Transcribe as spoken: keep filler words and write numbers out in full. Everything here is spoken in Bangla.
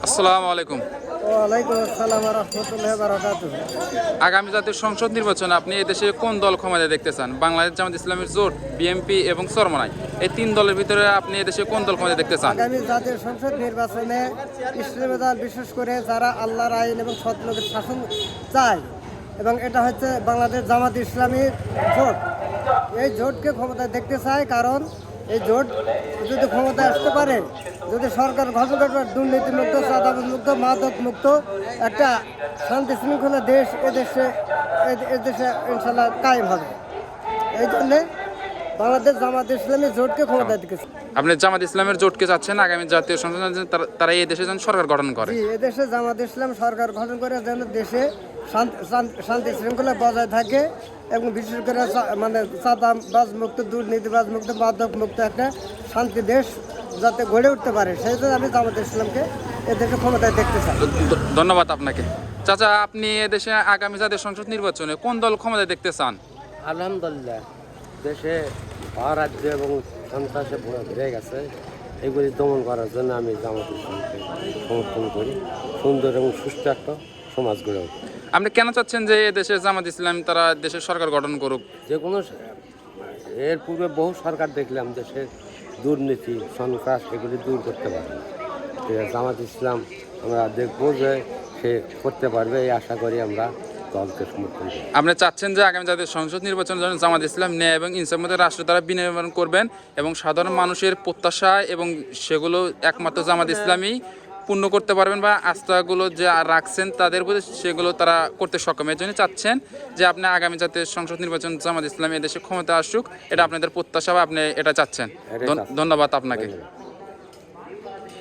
আসসালামু আলাইকুম। ওয়ালাইকুম আসসালাম ওয়া রাহমাতুল্লাহি ওয়া বারাকাতুহু। আগামী জাতীয় সংসদ নির্বাচনে আপনি এদেশে কোন দল ক্ষমতায় দেখতে চান? বাংলাদেশ জামাত ইসলামের জোট, বিএনপি এবং চরমনাই, এই তিন দলের ভিতরে আপনি এদেশে কোন দল ক্ষমতায় দেখতে চান? আগামী জাতীয় সংসদ নির্বাচনে ইসলামী দল, বিশেষ করে যারা আল্লাহর আইন এবং সৎ লোকের শাসন চায়, এবং এটা হচ্ছে বাংলাদেশ জামাত ইসলামীর জোট। এই জোটকে ক্ষমতায় দেখতে চায়, কারণ এই জোট যদি ক্ষমতায় আসতে পারে, যদি সরকার গঠন করতে পারে, দুর্নীতিমুক্ত, চাঁদাবাজ মুক্ত, মাদক মুক্ত একটা শান্তি শৃঙ্খলা দেশ এদেশে এদেশে ইনশাল্লাহ কায়েম হবে। এই জন্যে বাংলাদেশ জামাত ইসলামী জোটকে ক্ষমতায় দেখেছে। আপনি জামাত ইসলামের জোটকে চাচ্ছেন আগামী জাতীয় সংসদ নির্বাচনে তারা- তারা এই দেশে যেন সরকার গঠন করে। জি, এদেশে জামাত ইসলাম সরকার গঠন করে যেন দেশে শান্তি শান্তি- শান্তি শৃঙ্খলা বজায় থাকে, এবং বিশেষ করে চা- মানে চাঁদাবাজ মুক্ত, দুর্নীতিবাজ মুক্ত, মাদক মুক্ত একটা শান্তি দেশ যাতে গড়ে উঠতে পারে, সেই জন্য আমি জামাত ইসলামকে এদেশে ক্ষমতায় দেখতে চাই। দ- দ- ধন্যবাদ আপনাকে। চাচা, আপনি এদেশে আগামী জাতীয় সংসদ নির্বাচনে কোন দল ক্ষমতায় দেখতে চান? আলহামদুলিল্লাহ, দেশে অরাজ্য এবং সন্ত্রাসে ভরে গেছে, এগুলি দমন করার জন্য আমি জামাত ইসলামকে সমর্থন করি। সুন্দর এবং সুস্থ একটা সমাজ গড়ে উঠবে। আপনি কেন চাচ্ছেন যে দেশে জামাত ইসলাম তারা দেশের সরকার গঠন করুক? যে কোনো স- এর পূর্বে বহু সরকার দেখলাম দেশের দুর্নীতি, সন্ত্রাস এগুলি দূর করতে পারে। ঠিক আছে, জামাত ইসলাম আমরা দেখবো যে সে করতে পারবে, এই আশা করি আমরা দলকে সমর্থন করি। আপনি চাচ্ছেন যে আগামী জাতীয় সংসদ নির্বাচনের জন্য জামাত ইসলাম ন্যায় এবং ইনসাফের মধ্যে রাষ্ট্র দ্বারা বিনির্মাণ করবেন, এবং সাধারণ মানুষের প্রত্যাশা এবং সেগুলো একমাত্র জামাত ইসলামই পূর্ণ করতে পারবেন, বা আস্থাগুলো যে রাখছেন তাদের প্রতি সেগুলো তারা করতে সক্ষম। এর জন্য চাচ্ছেন যে আপনি আগামী জাতীয় সংসদ নির্বাচন জামাত ইসলাম এদেশে ক্ষমতা আসুক, এটা আপনাদের প্রত্যাশা বা আপনি এটা চাচ্ছেন। এটাই ধন- চাচ্ছি। ধন্যবাদ আপনাকে।